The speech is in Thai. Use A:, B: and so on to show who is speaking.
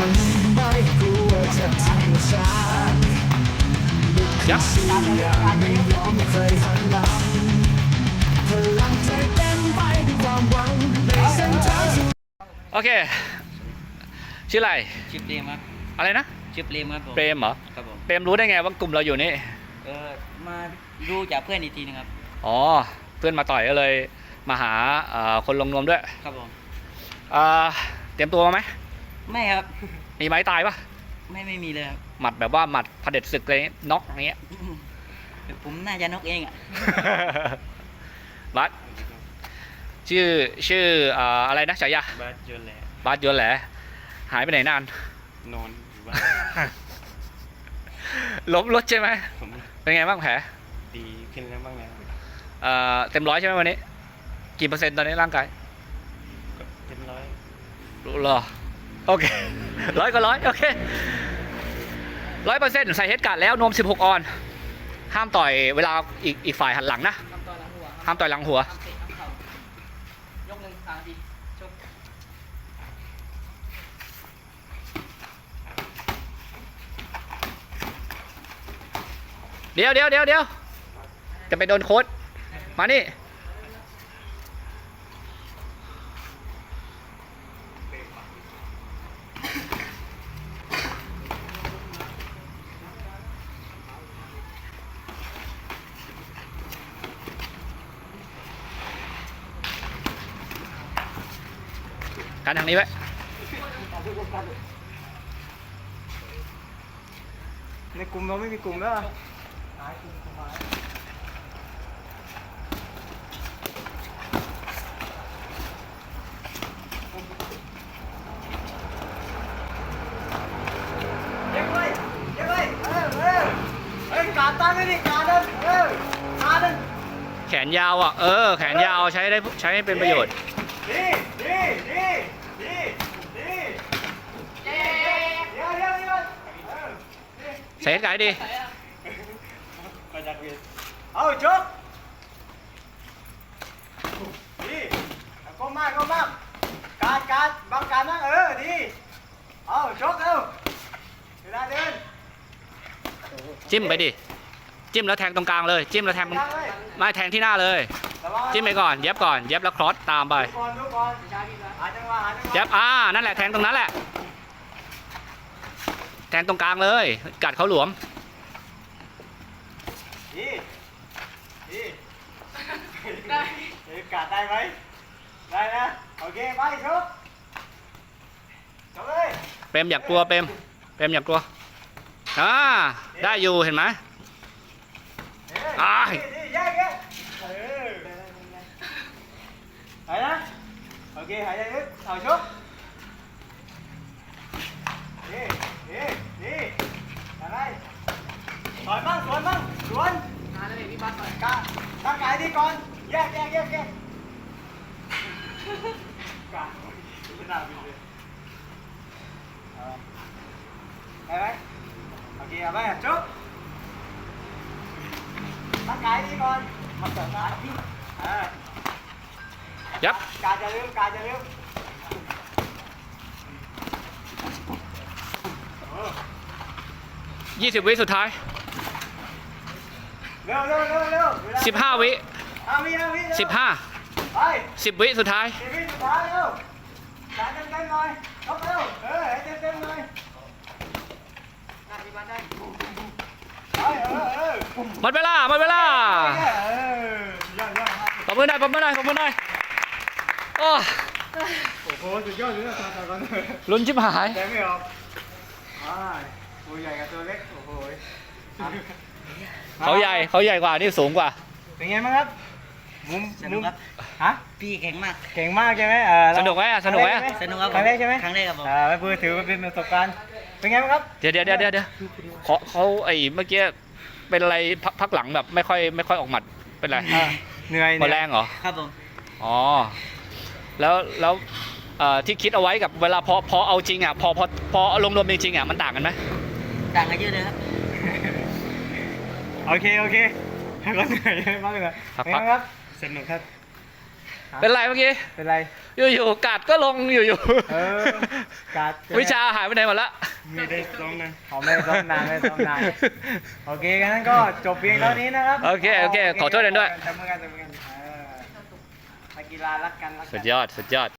A: ยับโอเคชื่ออะไร
B: ชื่อเปรมครับ
A: อะไรนะ
B: ชื่อเปรมครับผม
A: เปรมเหรอ
B: ครับผม
A: เปรมรู้ได้ไงว่ากลุ่มเราอยู่นี่
B: มาดูจากเพื่อนอีกทีนึงครับ
A: อ๋อเพื่อนมาต่อยก็เลยมาหาคนลงนวมด้วย
B: ครับผม
A: เตรียมตัวมาไหม
B: ไม่ครับ
A: มีไม้ตายปะ
B: ไม่มีเลยครับ
A: หมัดแบบว่าหมัดเผด็จศึกเลยน็อกอย่างเงี้ย
B: ผมน่าจะนกเองอ่ะ
A: บัสชื่ออะไรนะฉายา
B: บัสยนแหละ
A: บัสยนแหละหายไปไหนนาน
B: นอนอยู่บ้าน
A: ล้มรถใช่ไหมเป็นไงบ้างแผล
B: ดีขึ้นแล้วบ้างแล้ว
A: เต็มร้อยใช่ไหมวันนี้กี่เปอร์เซ็นต์ตอนนี้ร่างกาย
B: เต็มร้อย
A: เหรอโอเคร้อยก็ร้อยโอเค100%ใส่เฮดการ์ดแล้วนวม16 ออนห้ามต่อยเวลาอีกฝ่ายหันหลังนะห้ามต่อยหลังหัวยกหนึ่ง3 นาทีชกเดี๋ยวจะไปโดนโค้ดมานี่กันทางนี้ไว้
B: ในกลุ่มเราไม่มีกลุ่มแล้วการตั้งไม่ดีการเดินการเดิน
A: แขนยาวอ่ะแขนยาวใช้ให้เป็นประโยชน์ใส่ให้ไกลดี
B: เอาชกดีก้มมากการบังการนั่งดีเอาชกเวลาเดิน
A: จิ้มไปดิจิ้มแล้วแทงตรงกลางเลยจิ้มแล้วแทงไม่แทงที่หน้าเลยจิ้มไปก่อนเย็บแล้วครอสตามไปเย็บนั่นแหละแทงตรงนั้นแหละแทงตรงกลางเลยกัดเขาหลวม
B: ได้กัดได้ไหมได้นะโอเคไปชกเลย
A: เปรมอยากกลัวเปรมอยากกลัวได้อยู่เห็นไหม
B: หายนะโอเคหายใจลึกเอาชกดีอะไรสวนมั่งสวนอะไรพี่บ้านก่อนร่างกายดีก่อนแยกกะไม่น่าบินเลยได้ไหมโอเคเอาไปชกร่างกายดีก่อนมาเสริมนะ
A: ยับ
B: การจะลืม
A: 20 วิสุดท้าย
B: เร็ว
A: 15 วิ
B: 15ไป
A: 10 วิสุดท้าย
B: 10 วิสุดท้ายเร็วการเต็มหน่อยชกเร็วเต็มหน่อยได้
A: หมดเวลาปรบมือได้โอ้
B: โหสุดยอดเลยนะ
A: ลุ้นชิบหาย
B: แกไม่ออกตัวใหญ่กับตัวเล็กโอ้โห
A: เขาใหญ่กว่านี่สูงกว่า
B: เป็นไงบ้างครับมุมฮะพี่เก่งมากใช่ไหม
A: สนุกไหม
B: สนุกครับครั้งแรกใช่ไหมครั้งแรกครับผมไม่พูดถือว่าเป็นประสบการณ์เป็นไงบ้างครับ
A: เดี๋ยวเขาเมื่อกี้เป็นอะไรพักหลังแบบไม่ค่อยออกหมัดเป็นไร
B: เหนื่อย
A: หมดแรงเหรอ
B: ครับผม
A: อ๋อแล้วที่คิดเอาไว้กับเวลาพอเอาจริงอ่ะพอลงรวมจริงๆอ่ะมันต่างกันไหม
B: ต่างกันเยอะเลยครับโอเคก็เหนื่อยมากเลย
A: ครับ
B: สนุกครับ
A: เป็นไรเมื่อกี้
B: เป็นไร
A: อยู่ๆกัดก็ลงอยู่
B: เออการ์ด
A: วิชาหายไปไหนหมดละ
B: ไม่ได้ซ้อมนานไม่ได้ซ้อมนานไม่ได้ซ้อมนานโอเคงั้นก็จบเพียงเท่านี้นะครับ
A: โอเคขอโทษกันด้วย
B: จับมือกันนักกีฬารักกัน
A: สุดยอด